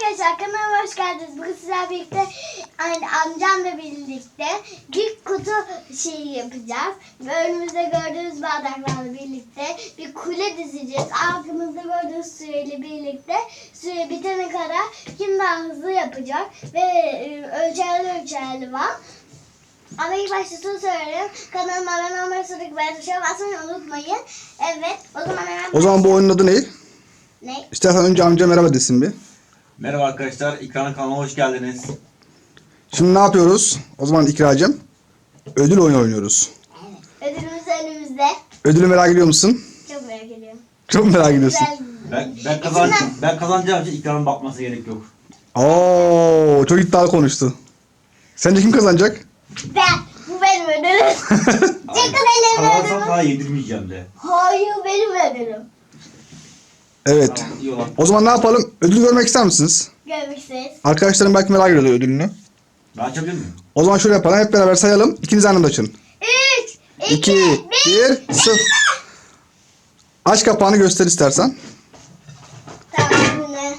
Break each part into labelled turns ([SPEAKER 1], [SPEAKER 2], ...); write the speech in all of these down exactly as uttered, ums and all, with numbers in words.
[SPEAKER 1] Arkadaşlar kanalıma hoş geldiniz. Bugün sizlerle birlikte yani amcamla birlikte bir kutu şeyi yapacağız. Ve önümüzde gördüğünüz bardaklarla birlikte bir kule dizeceğiz. Arkamızda gördüğünüz süreyle birlikte süre bitene kadar kim daha hızlı yapacak ve e, ölçerli ölçerli var. Ama ilk başta şunu söyleyeyim. Kanalıma abone olmayı, sonraki beğen tuşuna basmayı unutmayın. Evet. O zaman hemen
[SPEAKER 2] O zaman bu oyunun adı ne?
[SPEAKER 1] Ne?
[SPEAKER 2] İstersen önce amca merhaba desin bir.
[SPEAKER 3] Merhaba arkadaşlar, İkra'nın kanalına hoş geldiniz.
[SPEAKER 2] Şimdi ne yapıyoruz? O zaman İkracığım ödül oyunu oynuyoruz.
[SPEAKER 1] Evet. Ödülümüz önümüzde.
[SPEAKER 2] Ödülü merak ediyor musun?
[SPEAKER 1] Çok merak ediyorum.
[SPEAKER 2] Çok merak ediyorsun.
[SPEAKER 1] Güzel.
[SPEAKER 3] Ben ben kazan ben kazanacağım için İkra'nın bakması gerek yok.
[SPEAKER 2] Oo, çok iddialı konuştu. Sence kim kazanacak?
[SPEAKER 1] Ben. Bu benim ödülüm. Çıkın ellerimi
[SPEAKER 3] Kazanırsam
[SPEAKER 1] ödülüm.
[SPEAKER 3] sana yedirmeyeceğim de.
[SPEAKER 1] Hayır benim ödülüm.
[SPEAKER 2] Evet.
[SPEAKER 3] Tamam, iyi olan.
[SPEAKER 2] O zaman ne yapalım? Ödül görmek ister misiniz?
[SPEAKER 1] Görmüşsünüz.
[SPEAKER 2] Arkadaşlarım belki merak ediyor ödülünü.
[SPEAKER 3] Ben açabilir miyim?
[SPEAKER 2] O zaman şöyle yapalım. Hep beraber sayalım. İkiniz aynı anda açın.
[SPEAKER 1] Üç, iki,
[SPEAKER 2] iki,
[SPEAKER 1] bir.
[SPEAKER 2] bir, sıfır. Aç kapağını göster istersen.
[SPEAKER 1] Tamam bu ne?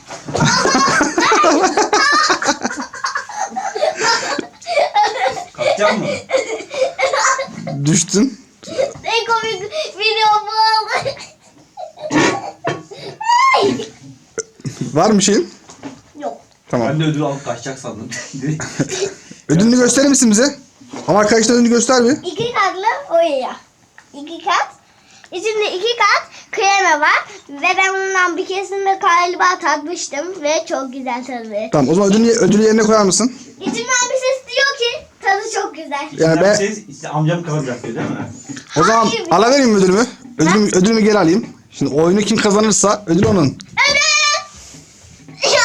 [SPEAKER 3] Kaçacak mı?
[SPEAKER 2] Düştün.
[SPEAKER 1] Ne komik video bu oldu.
[SPEAKER 2] Var mı şeyin?
[SPEAKER 1] Yok.
[SPEAKER 2] Tamam.
[SPEAKER 3] Ben de ödül alıp kaçacak sandım.
[SPEAKER 2] Ödülünü gösterir misin bize? Ama arkadaşlar ödülünü göster bir.
[SPEAKER 1] İki katlı oyaya. İki kat. İçinde iki kat krema var. Ve ben bundan bir keresinde galiba tatmıştım. Ve çok güzel tadı.
[SPEAKER 2] Tamam, o zaman ödülü, ödülü yerine koyar mısın?
[SPEAKER 1] İçimden bir ses diyor ki tadı çok güzel.
[SPEAKER 2] Yani ben-
[SPEAKER 3] Siz, işte amcam kazanacak diyor değil mi?
[SPEAKER 2] O zaman
[SPEAKER 1] Hayır.
[SPEAKER 2] alıvereyim mi ödülümü? Ödülümü, ödülümü geri alayım. Şimdi oyunu kim kazanırsa ödül onun.
[SPEAKER 1] Ödül!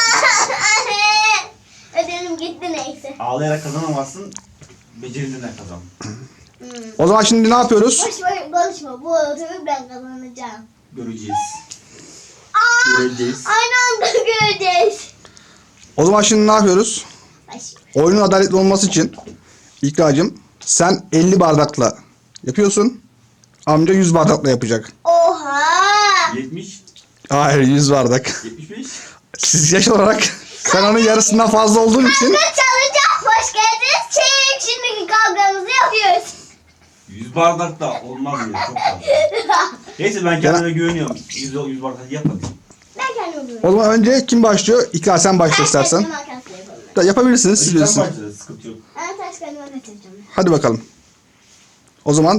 [SPEAKER 1] Ödülüm gitti neyse.
[SPEAKER 3] Ağlayarak kazanamazsın. Becerinden kazan.
[SPEAKER 2] O zaman şimdi ne yapıyoruz?
[SPEAKER 1] Boş boş konuşma. Bu ödülü ben kazanacağım.
[SPEAKER 3] Göreceğiz.
[SPEAKER 1] Aa,
[SPEAKER 3] Göreceğiz.
[SPEAKER 1] aynı anda göreceğiz.
[SPEAKER 2] O zaman şimdi ne yapıyoruz?
[SPEAKER 1] Baş.
[SPEAKER 2] Oyunun adaletli olması için İkracığım sen elli bardakla yapıyorsun. Amca yüz bardakla yapacak.
[SPEAKER 1] Oha!
[SPEAKER 3] yetmiş.
[SPEAKER 2] Hayır, yüz bardak.
[SPEAKER 3] yetmiş beş.
[SPEAKER 2] Siz yaş olarak sen onun yarısından fazla olduğun için
[SPEAKER 1] Ben çalacağım. Hoş geldiniz. Çeyrek şimdiki kavgamızı yapıyoruz.
[SPEAKER 3] yüz bardak da olmaz diyor. Çok fazla. Neyse ben kendime güveniyorum. yüz, yüz bardak yapmadım.
[SPEAKER 1] Ben kendimi buluyorum.
[SPEAKER 2] o zaman önce kim başlıyor? İkra sen başla istersen.
[SPEAKER 1] Taş kalem makas yapalım.
[SPEAKER 2] Da yapabilirsiniz, siz
[SPEAKER 3] Sen
[SPEAKER 2] bilirsiniz.
[SPEAKER 3] başla, sıkıntı yok.
[SPEAKER 1] Ben taş kalem makas yapacağım.
[SPEAKER 2] Hadi bakalım. O zaman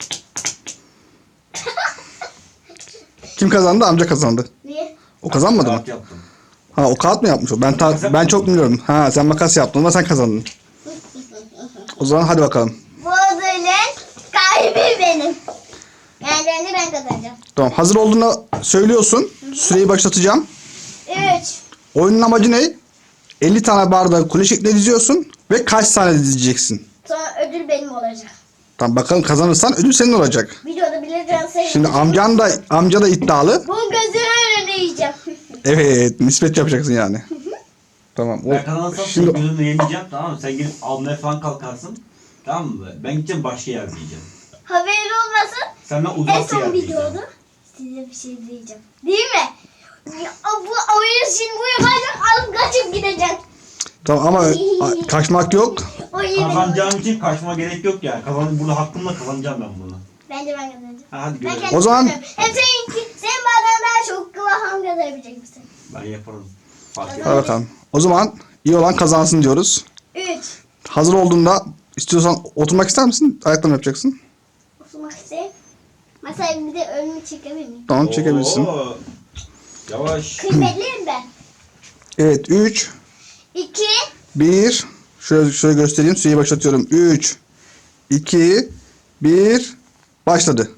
[SPEAKER 2] kim kazandı? Amca kazandı.
[SPEAKER 1] Niye?
[SPEAKER 2] O kazanmadı mı?
[SPEAKER 3] Kağıt yaptım.
[SPEAKER 2] Ha, o kağıt mı yapmış o? Ben ta- ben çok bilmiyorum. Ha, sen makas yaptın ama sen kazandın. O zaman hadi bakalım.
[SPEAKER 1] Bu ödülün kalbi benim. Yani ben de ben kazanacağım.
[SPEAKER 2] Tamam, hazır olduğunda söylüyorsun. Süreyi başlatacağım.
[SPEAKER 1] Üç.
[SPEAKER 2] Oyunun amacı ne? elli tane bardağı kule şeklinde diziyorsun ve kaç tane dizeceksin?
[SPEAKER 1] Sonra ödül benim olacak.
[SPEAKER 2] Tamam, bakalım kazanırsan ödül senin olacak.
[SPEAKER 1] Videoda bileceğim sayı.
[SPEAKER 2] Şimdi amcan da amca da iddialı.
[SPEAKER 1] Bu gözünün önünde yiyeceğim.
[SPEAKER 2] Evet, nispet yapacaksın yani. Tamam. O,
[SPEAKER 3] Ben kazanırsam
[SPEAKER 2] şimdi
[SPEAKER 3] senin gözünü yemeyeceğim, tamam mı? Sen gelip almaya falan kalkarsın. Tamam mı? Ben gideceğim başka yer diyeceğim.
[SPEAKER 1] Haberin olmasın.
[SPEAKER 3] Senden
[SPEAKER 1] En
[SPEAKER 3] uzak bir
[SPEAKER 1] son
[SPEAKER 3] yer diyeceğim.
[SPEAKER 1] videoda size bir şey diyeceğim. Değil mi? Ya, bu oyun şimdi bu yapacak alıp kaçıp gideceğim.
[SPEAKER 2] tamam ama a- kaçmak yok.
[SPEAKER 1] O iyi benim oyun.
[SPEAKER 3] Kazanacağım için kaçma gerek yok yani. Kazan, burada hakkımla kazanacağım ben bunu.
[SPEAKER 1] Bence ben kazanacağım.
[SPEAKER 3] Ha, hadi
[SPEAKER 1] Ben
[SPEAKER 3] görelim.
[SPEAKER 1] kendim
[SPEAKER 2] O zaman-
[SPEAKER 1] kazanırım. Hem seninki, senin bardağın daha çok kıvahım kazanabilecek misin?
[SPEAKER 3] Ben yaparım. Fark
[SPEAKER 2] Hadi
[SPEAKER 3] etmez.
[SPEAKER 2] bakalım. O zaman iyi olan kazansın diyoruz.
[SPEAKER 1] Üç.
[SPEAKER 2] Hazır olduğunda istiyorsan oturmak ister misin? Ayakta mı yapacaksın?
[SPEAKER 1] Oturmak isteyeyim. Masaya bir de önümü çekebilir miyim?
[SPEAKER 2] Tamam, çekebilirsin.
[SPEAKER 3] Oo. Yavaş.
[SPEAKER 1] Kıymetliyim ben.
[SPEAKER 2] Evet, üç,
[SPEAKER 1] İki.
[SPEAKER 2] bir. Şöyle, şöyle göstereyim. Süreyi başlatıyorum. üç, iki, bir. Başladı.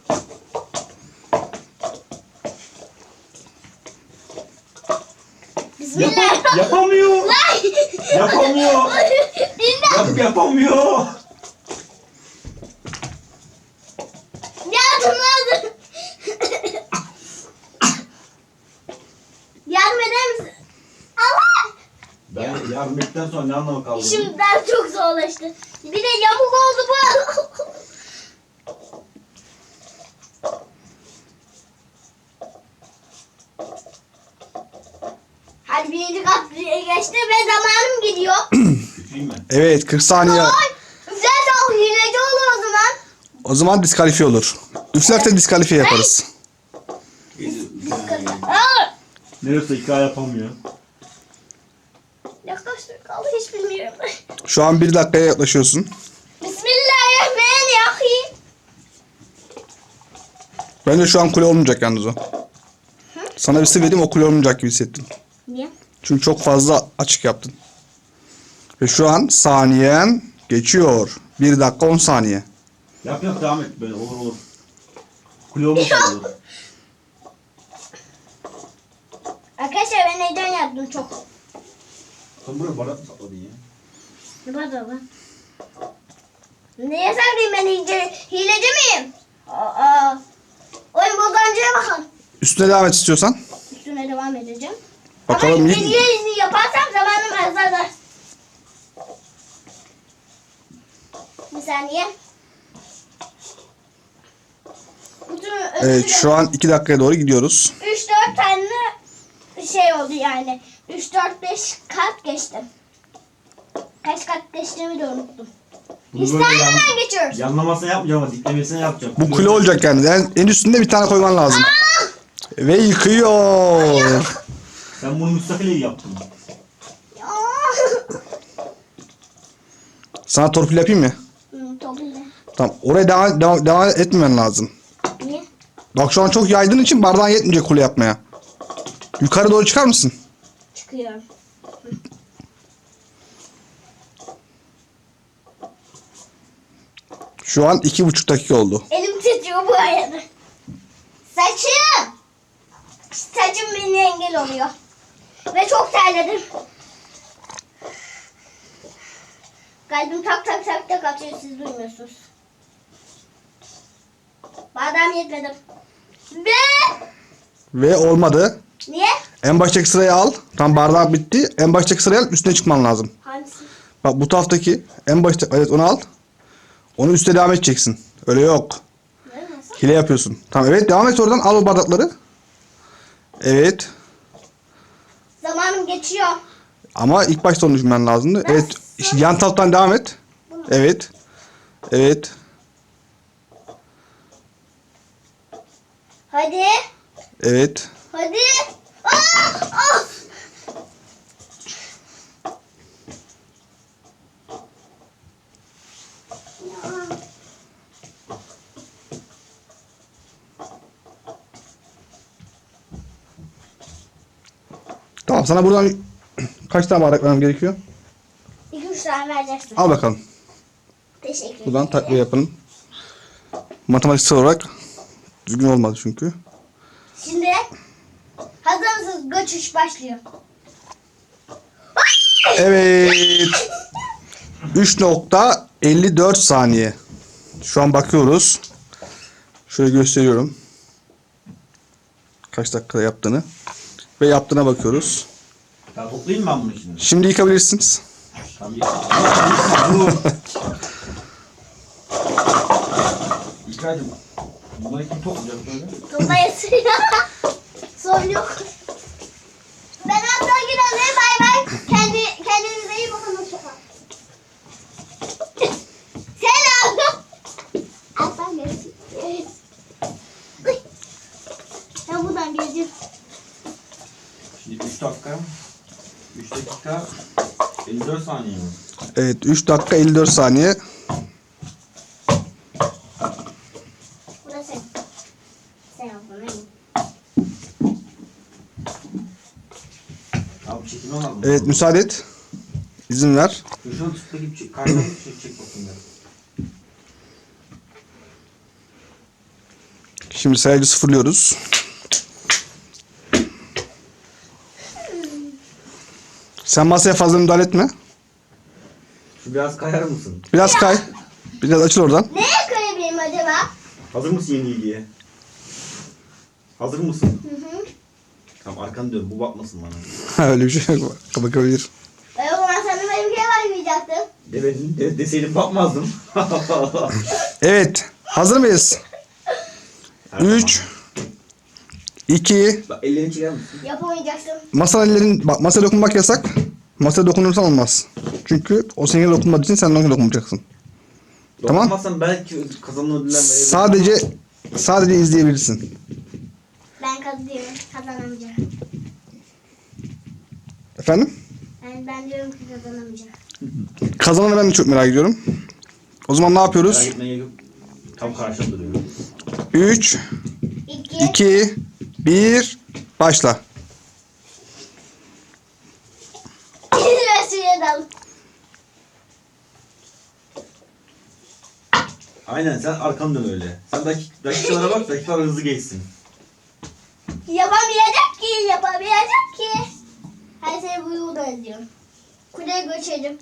[SPEAKER 1] Bismillah.
[SPEAKER 3] Yapamıyor. Yapamıyor.
[SPEAKER 1] İmdat.
[SPEAKER 3] Yap, yapamıyor.
[SPEAKER 1] Yardım lazım. Yardım eder misin? Allah.
[SPEAKER 3] Ben yardım ettikten sonra ne anlamı kaldı? bunun?
[SPEAKER 1] Şimdiden çok zorlaştı. Bir de yamuk oldu bu. Hadi birinci kat dakika geçti ve zamanım gidiyor.
[SPEAKER 3] Küçüğüm ben.
[SPEAKER 2] Evet kırk saniye.
[SPEAKER 1] Ay, zaten hileci olur o zaman.
[SPEAKER 2] O zaman diskalifiye olur. Üflerse diskalifiye yaparız.
[SPEAKER 1] Aa,
[SPEAKER 3] Neresi hikaye yapamıyor.
[SPEAKER 1] ne kaç dakika kaldı hiç bilmiyorum.
[SPEAKER 2] Şu an bir dakikaya yaklaşıyorsun.
[SPEAKER 1] Bismillahirrahmanirrahim.
[SPEAKER 2] Bence şu an kule olmayacak yalnız o. Sana bir sır vereyim, o kule olmayacak gibi hissettim.
[SPEAKER 1] Niye?
[SPEAKER 2] Çünkü çok fazla açık yaptın. Ve şu an saniyen geçiyor. bir dakika on saniye.
[SPEAKER 3] Yap yap devam et böyle olur olur. Kule olmuş olur.
[SPEAKER 1] Arkadaşlar ben neyden yaptım çok.
[SPEAKER 3] Sen buraya bardak mı sakladın ya?
[SPEAKER 1] Ne var lan? Neye saklayayım ben hileci, hileci miyim? Aa, oyun bozancıya bakın.
[SPEAKER 2] Üstüne devam et istiyorsan.
[SPEAKER 1] Üstüne devam edeceğim.
[SPEAKER 2] Bakalım
[SPEAKER 1] Ama
[SPEAKER 2] iyi-
[SPEAKER 1] hileci yaparsam zamanım azalır. Bir saniye. Bütün
[SPEAKER 2] Evet şu an iki dakikaya doğru gidiyoruz.
[SPEAKER 1] üç dört tane şey oldu yani. üç dört beş kat geçtim. Kaç kat geçtiğimi de unuttum.
[SPEAKER 3] Bunu
[SPEAKER 1] Biz
[SPEAKER 3] böyle yan-
[SPEAKER 1] hemen geçiyoruz.
[SPEAKER 3] Yanlamasına yapmayacağım ama diklemesine yapacağım.
[SPEAKER 2] Bu kule olacak yani. En, en üstünde bir tane koyman lazım. Ve yıkıyor.
[SPEAKER 3] Sen bunu müstakil yaptın.
[SPEAKER 1] Ya.
[SPEAKER 2] Sana torpil yapayım mı?
[SPEAKER 1] Hmm, topuyla.
[SPEAKER 2] Tamam. Oraya devam, devam, devam etmemen lazım.
[SPEAKER 1] Niye?
[SPEAKER 2] Bak şu an çok yaydığın için bardağın yetmeyecek kule yapmaya. Yukarı doğru çıkar mısın?
[SPEAKER 1] Çıkıyorum.
[SPEAKER 2] Şu an iki buçuk dakika oldu.
[SPEAKER 1] Elim titriyor bu arada. Saçım. Saçım beni engel oluyor. Ve çok terledim. Kalbim tak tak tak tak atıyor, siz duymuyorsunuz. Bardağım yetmedi. Ve
[SPEAKER 2] Ve olmadı.
[SPEAKER 1] niye?
[SPEAKER 2] En baştaki sırayı al. Tam bardak bitti. En baştaki sırayı al. Üstüne çıkman lazım.
[SPEAKER 1] Hangisi?
[SPEAKER 2] Bak bu taraftaki en başta, evet onu al. Onu üste devam edeceksin. Öyle yok.
[SPEAKER 1] Ne nasıl?
[SPEAKER 2] Hile yapıyorsun. Tamam evet devam et oradan. Al o bardakları. Evet.
[SPEAKER 1] Zamanım geçiyor.
[SPEAKER 2] Ama ilk başta onu düşünmen lazımdı. Evet. işte yan taraftan devam et. Evet. Evet.
[SPEAKER 1] Hadi.
[SPEAKER 2] Evet.
[SPEAKER 1] Hadi. Ah! Ah!
[SPEAKER 2] Tamam sana buradan kaç tane bardak vermem gerekiyor?
[SPEAKER 1] İki üç tane vereceksin.
[SPEAKER 2] Al bakalım.
[SPEAKER 1] Teşekkür ederim.
[SPEAKER 2] Buradan takviye yapın. Matematiksel olarak düzgün olmadı çünkü.
[SPEAKER 1] Şimdi hazır mısınız? Göçüş başlıyor.
[SPEAKER 2] Evet. üç nokta elli dört saniye. Şu an bakıyoruz. Şöyle gösteriyorum. Kaç dakikada yaptığını. Ve yaptığına bakıyoruz.
[SPEAKER 3] Ya toplayayım mı ben bunu şimdi?
[SPEAKER 2] Şimdi yıkabilirsiniz.
[SPEAKER 3] Tamam yıkayım. Yıkayacağım. Bunları kim toplayacak böyle?
[SPEAKER 1] Dolayısıyla sorun yok. Ben hatta gidelim. Bay bay. Kendi, kendinize iyi bakın. Hoşçakalın. Selam. Aslan görüşürüz. Ben buradan geleceğim.
[SPEAKER 3] Şimdi üç dakika. üç dakika. elli dört saniye mi?
[SPEAKER 2] Evet üç dakika elli dört saniye.
[SPEAKER 1] Burası. Sen yapma.
[SPEAKER 3] Abi çekime lazım.
[SPEAKER 2] Evet müsaade et. İzin ver.
[SPEAKER 3] Şu şunu tıkla gibi çek. Karnına bir çek, çek bakayım.
[SPEAKER 2] Şimdi sayacı sıfırlıyoruz. Sen masaya fazla müdahale etme.
[SPEAKER 3] Şu biraz kayar mısın?
[SPEAKER 2] Biraz kay. Biraz açıl oradan.
[SPEAKER 1] Neye koyabilirim acaba?
[SPEAKER 3] Hazır mısın yeni ilgiye? Hazır mısın?
[SPEAKER 1] Hı hı.
[SPEAKER 3] Tamam arkanı dön. Bu bakmasın bana.
[SPEAKER 2] Öyle bir şey yok. Bakabilir.
[SPEAKER 1] E o zaman sana benimkiye bakmayacaktım.
[SPEAKER 3] Demedim. De, deseydim bakmazdım.
[SPEAKER 2] Evet. Hazır mıyız? üç, iki.
[SPEAKER 3] Bak ellerini çeker misin?
[SPEAKER 1] Yapamayacaksın.
[SPEAKER 2] Masa ellerin, bak masaya dokunmak yasak. Masaya dokunursan olmaz. Çünkü o senin dokunmadığı için sen de ona dokunmayacaksın. Tamam.
[SPEAKER 3] Dokunmazsan belki kazanma ödüller verebilirim.
[SPEAKER 2] Sadece sadece izleyebilirsin.
[SPEAKER 1] Ben kazanıyorum. Kazanamayacağım.
[SPEAKER 2] Efendim?
[SPEAKER 1] Yani ben diyorum ki kazanamayacağım.
[SPEAKER 2] Kazananı ben de çok merak ediyorum. O zaman ne yapıyoruz?
[SPEAKER 3] Merak etmeye gerek yok. Tam karşımda duruyor.
[SPEAKER 2] üç,
[SPEAKER 1] İki.
[SPEAKER 2] iki, bir, başla.
[SPEAKER 1] Ve suya dal.
[SPEAKER 3] Aynen sen arkanı dön öyle. Sen dakik, dakikalara bak, dakikalar hızlı geçsin.
[SPEAKER 1] Yapamayacak ki. Yapamayacak ki. Her sene bu yolda ediyorum. Kuleye göçerim.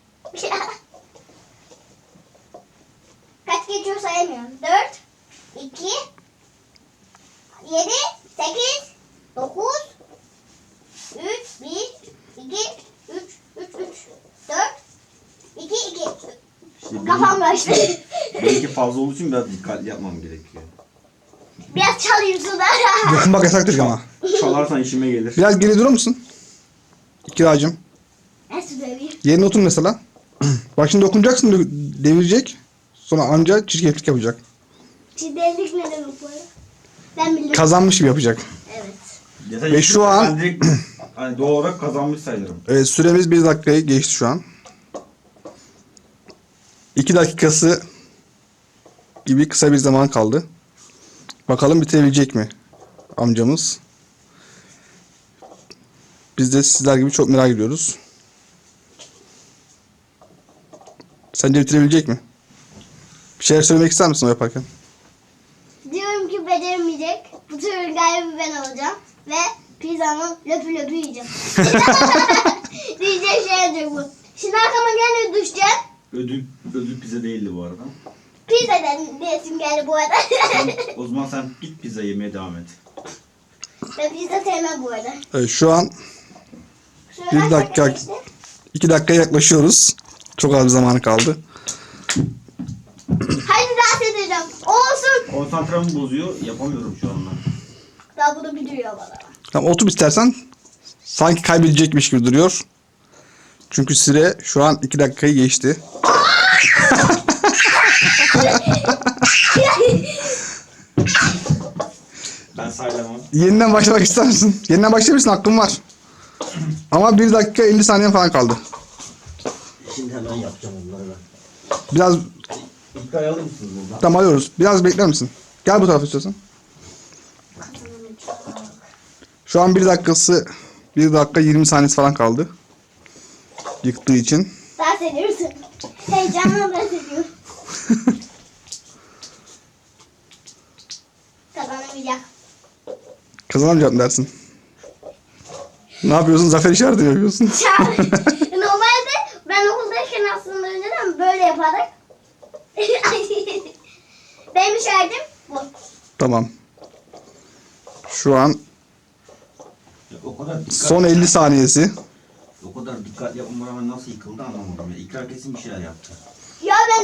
[SPEAKER 1] Kaç geçiyor sayamıyorum. Dört. iki. Yedi. Sekiz. Dokuz. Üç. Bir. İki. Üç. Üç. Üç. Dört. İki. İki.
[SPEAKER 3] İşte
[SPEAKER 1] Kafam kaçtı.
[SPEAKER 3] Belki fazla olduğu için biraz dikkatli yapmam gerekiyor.
[SPEAKER 1] Biraz çalayım suda.
[SPEAKER 2] Dokunmak yasaktır ama.
[SPEAKER 3] Çalarsan işime gelir.
[SPEAKER 2] Biraz geri durur musun? Kiracım.
[SPEAKER 1] Nasıl döveyim?
[SPEAKER 2] Yerine otur mesela. Bak şimdi dokunacaksın, dö- devirecek. Sonra anca çirkeflik yapacak.
[SPEAKER 1] Çiğdemlik ne demek bu arada? Ben biliyorum.
[SPEAKER 2] Kazanmış gibi yapacak.
[SPEAKER 1] Evet.
[SPEAKER 3] Ya sen
[SPEAKER 2] Ve
[SPEAKER 3] işin-
[SPEAKER 2] şu an-
[SPEAKER 3] Ben direkt hani doğal olarak kazanmış sayılırım.
[SPEAKER 2] Evet, süremiz bir dakikayı geçti şu an. iki dakikası gibi kısa bir zaman kaldı. Bakalım bitirebilecek mi amcamız? Biz de sizler gibi çok merak ediyoruz. Sence bitirebilecek mi? Bir şeyler söylemek ister misin o yaparken?
[SPEAKER 1] Diyorum ki beceremeyecek. Bu turun galibi ben olacağım. Ve pizzamı löpü löpü yiyeceğim. Diyecek şey olacak bu. Şimdi arkama gene düşeceğim.
[SPEAKER 3] Ödül, ödül pizza değildi bu arada.
[SPEAKER 1] Pizza dedim diyesim geldi bu arada.
[SPEAKER 3] Sen, o zaman sen git pizza yemeye devam et.
[SPEAKER 1] Ben pizza sevmem bu arada.
[SPEAKER 2] Evet, şu an
[SPEAKER 1] Şöyle
[SPEAKER 2] Bir
[SPEAKER 1] kaç
[SPEAKER 2] dakika.
[SPEAKER 1] geçti?
[SPEAKER 2] iki dakikaya yaklaşıyoruz. Çok az bir zamanı kaldı.
[SPEAKER 1] Hadi dans edeceğim. Olsun.
[SPEAKER 3] Konsantremi bozuyor, yapamıyorum şu anda.
[SPEAKER 1] Daha bunu biliyor bana.
[SPEAKER 2] Tamam, otur istersen. Sanki kaybedecekmiş gibi duruyor. Çünkü süre şu an iki dakikayı geçti.
[SPEAKER 3] Ben saylamam.
[SPEAKER 2] Yeniden başlamak ister misin? Yeniden başlayabilirsin, hakkın var. Ama bir dakika elli saniye falan kaldı.
[SPEAKER 3] Şimdi hemen yapacağım onları ben.
[SPEAKER 2] Biraz
[SPEAKER 3] İddiayı alır mısınız buradan?
[SPEAKER 2] tam alıyoruz. Biraz bekler misin? Gel bu tarafa istiyorsan. Şu an bir dakikası, bir dakika yirmi saniyesi falan kaldı. Yıktığı için.
[SPEAKER 1] Dans ediyorsun. Heyecanla dans ediyorum. Kazanamayacak.
[SPEAKER 2] Kazanamayacağım dersin. Ne yapıyorsun? Zafer işareti mi yapıyorsun?
[SPEAKER 1] Normalde ben okuldayken aslında önceden böyle yapardık. Benim işaretim bu.
[SPEAKER 2] Tamam. Şu an
[SPEAKER 3] Ya o kadar dikkat,
[SPEAKER 2] son elli saniyesi.
[SPEAKER 3] o kadar dikkat yapmama rağmen nasıl yıkıldı anlamadım ya. İkrar kesin bir şeyler yaptı.
[SPEAKER 1] Ya ben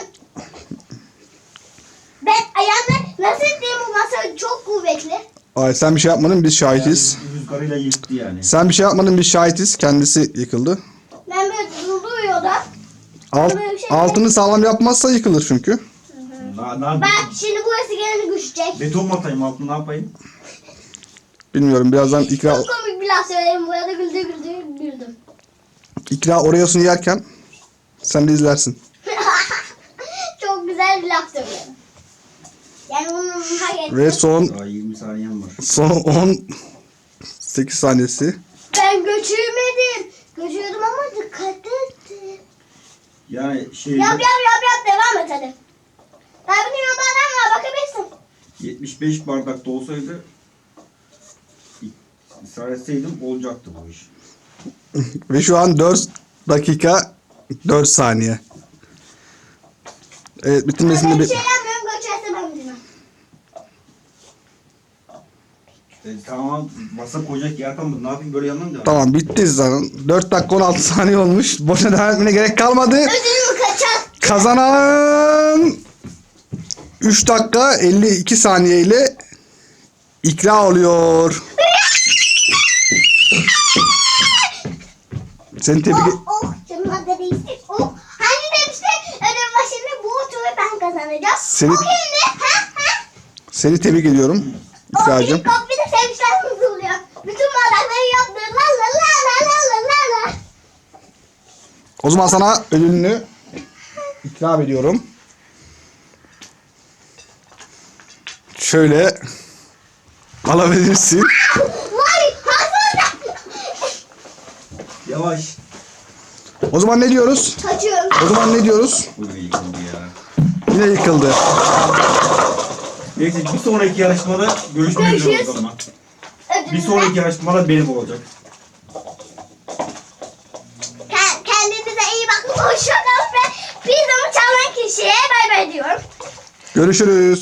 [SPEAKER 1] ben ayağımda nasıl diyeyim, bu masa çok kuvvetli.
[SPEAKER 2] Ay, sen bir şey yapmadın, biz şahitiz.
[SPEAKER 3] Yani rüzgarıyla yıktı yani.
[SPEAKER 2] Sen bir şey yapmadın, biz şahitiz. Kendisi yıkıldı.
[SPEAKER 1] Ben böyle duruyor da.
[SPEAKER 2] Alt,
[SPEAKER 1] Böyle bir şey
[SPEAKER 2] altını sağlam yapmazsa yıkılır çünkü.
[SPEAKER 3] Na, na,
[SPEAKER 1] Bak şimdi burası gene düşecek.
[SPEAKER 3] beton mu atayım altına, ne yapayım?
[SPEAKER 2] Bilmiyorum, birazdan ikra,
[SPEAKER 1] Çok komik bir laf söyledim, bu arada güldü güldü güldüm.
[SPEAKER 2] ikra Oreo'sunu yerken sen de izlersin.
[SPEAKER 1] Çok güzel bir laf söyledim. Yani bunu hak ettim.
[SPEAKER 2] Ve son
[SPEAKER 3] Daha yirmi saniyem var.
[SPEAKER 2] son on sekiz saniyesi.
[SPEAKER 1] Ben göçürmedim. Göçürdüm ama dikkat ettim.
[SPEAKER 3] Yani şey
[SPEAKER 1] Yap yap yap yap, devam et hadi. Daha bir yollardan var, bakabilirsin.
[SPEAKER 3] yetmiş beş bardakta olsaydı ısrar etseydim olacaktı bu iş.
[SPEAKER 2] Ve şu an dört dakika dört saniye. Evet, bitirmesini
[SPEAKER 1] Ben
[SPEAKER 2] de
[SPEAKER 1] bir
[SPEAKER 2] bir...
[SPEAKER 1] şey yapmıyorum, göçerse ben bilmem.
[SPEAKER 3] E, tamam masa koyacak yer kalmadı. Ne yapayım, böyle yanına mı devam?
[SPEAKER 2] Tamam, bitti zaten. dört dakika on altı saniye olmuş. Boşuna devam etmene gerek kalmadı.
[SPEAKER 1] Ödülümü kaçar.
[SPEAKER 2] Kazanan üç dakika elli iki saniye ile İkra oluyor. Seni tebrik
[SPEAKER 1] Oh oh canıma da değilsin. Oh. Hani demişti ödül başında bu turu ben kazanacağım.
[SPEAKER 2] Seni-
[SPEAKER 1] O kimdi? Ha ha.
[SPEAKER 2] Seni tebrik ediyorum
[SPEAKER 1] O
[SPEAKER 2] İkracığım.
[SPEAKER 1] bir kop bir de sevinçler hızlıyor. Bütün bardakları yaptı. La la la la la la la la.
[SPEAKER 2] O zaman sana ödülünü ikram ediyorum. Şöyle alabilirsin.
[SPEAKER 1] Vay hazır.
[SPEAKER 3] Yavaş.
[SPEAKER 2] O zaman ne diyoruz?
[SPEAKER 1] Kaçıyorum.
[SPEAKER 2] O zaman ne diyoruz?
[SPEAKER 3] Bu da yıkıldı ya.
[SPEAKER 2] Yine yıkıldı.
[SPEAKER 3] Neyse bir sonraki yarışmada görüşmek üzere o
[SPEAKER 1] Görüşürüz.
[SPEAKER 3] zaman.
[SPEAKER 1] Ödülümü
[SPEAKER 3] Bir sonraki yarışmada benim olacak.
[SPEAKER 1] Ke- Kendinize iyi bakın. Hoşçakalın ve pizzamı çalan kişiye bay bay diyorum.
[SPEAKER 2] Görüşürüz.